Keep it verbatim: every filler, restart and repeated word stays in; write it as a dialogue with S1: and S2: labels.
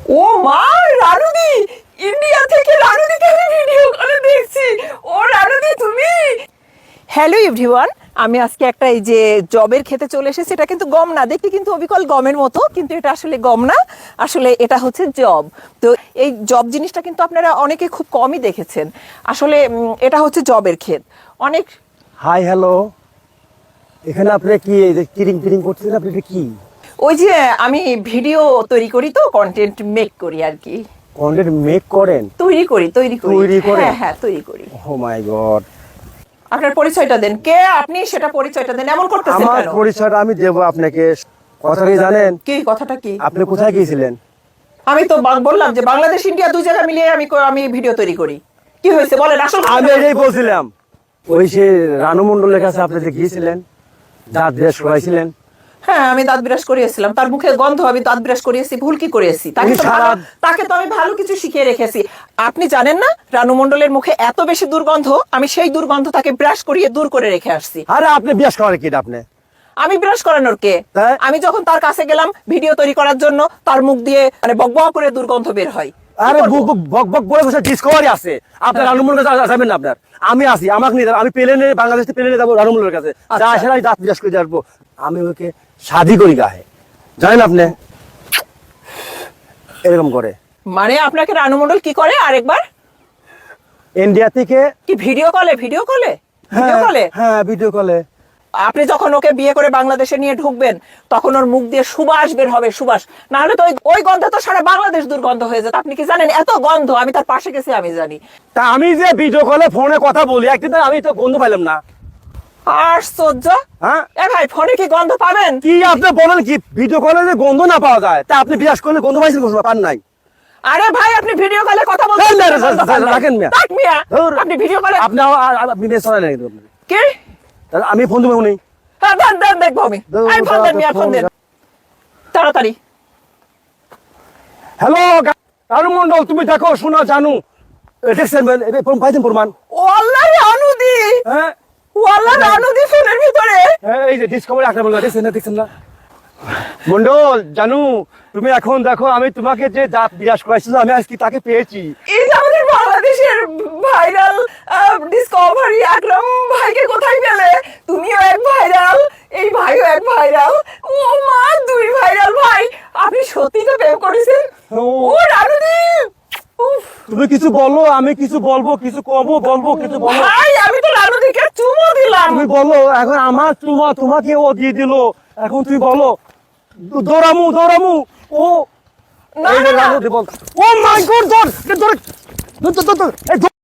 S1: ও মা, রানুদি! ইন্ডিয়া থেকে রানুদিকে আমি ভিডিও কলে দেখছি। ও রানুদি, তুমি? হ্যালো এভরিওয়ান, আমি আজকে একটা এই যে জবের খেতে চলে এসেছি। এটা কিন্তু গম না, দেখতে কিন্তু অবিকল গমের মতো, কিন্তু এটা আসলে গম না, আসলে এটা হচ্ছে জব। তো এই জব জিনিসটা কিন্তু আপনারা অনেকে খুব কমই দেখেছেন। আসলে উম, এটা হচ্ছে জবের ক্ষেত। অনেক
S2: হাই হ্যালো, এখানে আপনি কি এই যে কিরিং কিরিং করছেন? আপনি এটা কি
S1: ওই যে আমি ভিডিও তৈরি করি, তো কন্টেন্ট মেক করি আর কি।
S2: কন্টেন্ট মেক করেন?
S1: তৈরি করি তৈরি করি
S2: তৈরি করেন?
S1: হ্যাঁ হ্যাঁ, তৈরি করি।
S2: Oh my god!
S1: আপনার পরিচয়টা দেন, কে আপনি সেটা পরিচয়টা দেন। এমন করতেছেন
S2: আমার
S1: কেন?
S2: পরিচয়টা আমি দেব আপনাকে। কথা কি জানেন?
S1: কি কথাটা কি?
S2: আপনি কোথায় গিয়েছিলেন?
S1: আমি তো বাং- বললাম যে বাংলাদেশ ইন্ডিয়া দুই জায়গা মিলিয়ে আমি ক- আমি ভিডিও তৈরি করি। কি হয়েছে বলেন, আসল কথা
S2: আমি
S1: বলেন।
S2: এটাই বলছিলাম, ওই সে রানু মন্ডলের কাছে আপনি যে গিয়েছিলেন, দাঁত ব্রাশ করাইছিলেন।
S1: হ্যাঁ, আমি দাঁত ব্রাশ করিয়েছিলাম, তার মুখে গন্ধ, আমি দাঁত ব্রাশ করিয়েছি, ভুল কি করিয়েছি? তাকে
S2: উনি
S1: তো
S2: সারা-
S1: ভালো- তাকে তো আমি ভালো কিছু শিখিয়ে রেখেছি। আপনি জানেন না রানু মন্ডলের মুখে এত বেশি দুর্গন্ধ, আমি সেই দুর্গন্ধ তাকে ব্রাশ করিয়ে দূর করে রেখে আসছি।
S2: আরে আপনি ব্রাশ করেন কি আপনি?
S1: আমি ব্রাশ করানোর কে?
S2: তাই?
S1: আমি যখন তার কাছে গেলাম ভিডিও তৈরি করার জন্য, তার মুখ দিয়ে মানে বকবক করে দুর্গন্ধ বের হয়।
S2: আরে বুক বুক বক বক বলে বসে ডিসকভারি আছে আপনার। রানু মন্ডলের কাছে যাবেন না আপনার? আমি আসি, আমাকে নিয়ে যাবেন। আমি প্লেনে, বাংলাদেশ থেকে প্লেনে যাবো রানু মন্ডলের কাছে। যা আসে না, দাঁত ব্রাশ করে আসবো। আমি ওকে শাদি করি গায়ে, জানেন আপনি? এরকম করে
S1: মানে আপনাকে রানু মন্ডল কি করে আরেকবার?
S2: ইন্ডিয়া থেকে।
S1: কি ভিডিও কলে? ভিডিও কলে? ভিডিও
S2: হ্যাঁ
S1: কলে?
S2: হ্যাঁ, ভিডিও কলে।
S1: আপনি যখন ওকে বিয়ে করে বাংলাদেশে নিয়ে ঢুকবেন, তখন ওর মুখ দিয়ে সুবাস বের হবে, সুবাস। না হলে তো ওই ওই গন্ধ তো সারা বাংলাদেশ দুর্গন্ধ হয়ে যেত। আপনি কি জানেন এত গন্ধ? আমি তার পাশে গেছি, আমি জানি।
S2: তা আমি যে ভিডিও কলে ফোনে কথা বলি, একদিন তো আমি তো গন্ধ পাইলাম না।
S1: আশ্চর্য!
S2: হ্যাঁ,
S1: এ ভাই, ফোনে কি গন্ধ পাবেন?
S2: কি আপনি বলেন কি? ভিডিও কলে যে গন্ধ না পাওয়া যায়, তা আপনি বিরাজ করলে গন্ধ পাইছেন? কোনো পান নাই?
S1: আরে ভাই, আপনি ভিডিও কলে কথা
S2: না,
S1: বলছেন,
S2: না, না,
S1: গন্ধ পান না।
S2: রাখেন মিয়া।
S1: থাক মিয়া,
S2: ধুর।
S1: আপনি ভিডিও কলে
S2: আপনি আ- আ- আপনি বেশ চলেন একদম।
S1: কি?
S2: তাহলে আমি ফোন দেবো উনি।
S1: হ্যাঁ, দেন দেন, দেখবো আমি।
S2: ধুর,
S1: এই ফোন দেন মিয়া, ফোন দেন তাড়াতাড়ি।
S2: হ্যালো রানু মন্ডল, তুমি দেখো, শোনো, জানু, এ দেখছেন? এ, প্রমাণ পাইছেন? প্রমাণ?
S1: ও আল্লাহ, রানুদি!
S2: হ্যাঁ
S1: ও আল্লাহ, রানুদি ফোনের ভিতরে!
S2: হ্যাঁ, এই যে ডিসকভারি একটা বললো, দেখছেন না? দেখছেন না? মন্ডল, জানু, তুমি এখন দেখো, আমি তোমাকে যে দাঁত বিরাজ করাইছিল, আমি আজকে তাকে পেয়েছি।
S1: এই যে আমাদের বাংলাদেশের ভাইরাল ডিসকভারি আকরাম ভাইকে কোথায় পেলে? তুমিও এক ভাইরাল, এই ভাইও এক ভাইরাল। ও মা, দুই ভাইরাল ভাই! আপনি সত্যি তো প্রেম করেছেন?
S2: ও।
S1: ও রানুদি! উফ,
S2: তুমি কিছু বলো, আমি কিছু বলবো, কিছু কমো বলবো, কিছু বলো।
S1: ভাই, আমি তো রানুদিকে চুমো দিলাম।
S2: তুমি বলো, এখন আমার চুমা তোমাকে ও দিয়ে দিল, এখন তুমি বলো। দৌড়ামু দৌড়ামু ও
S1: না,
S2: এই যে
S1: না, না।
S2: রানু দি বল। Oh my god! ধর ধর ধর ধর ধর, ধর, এই ধর।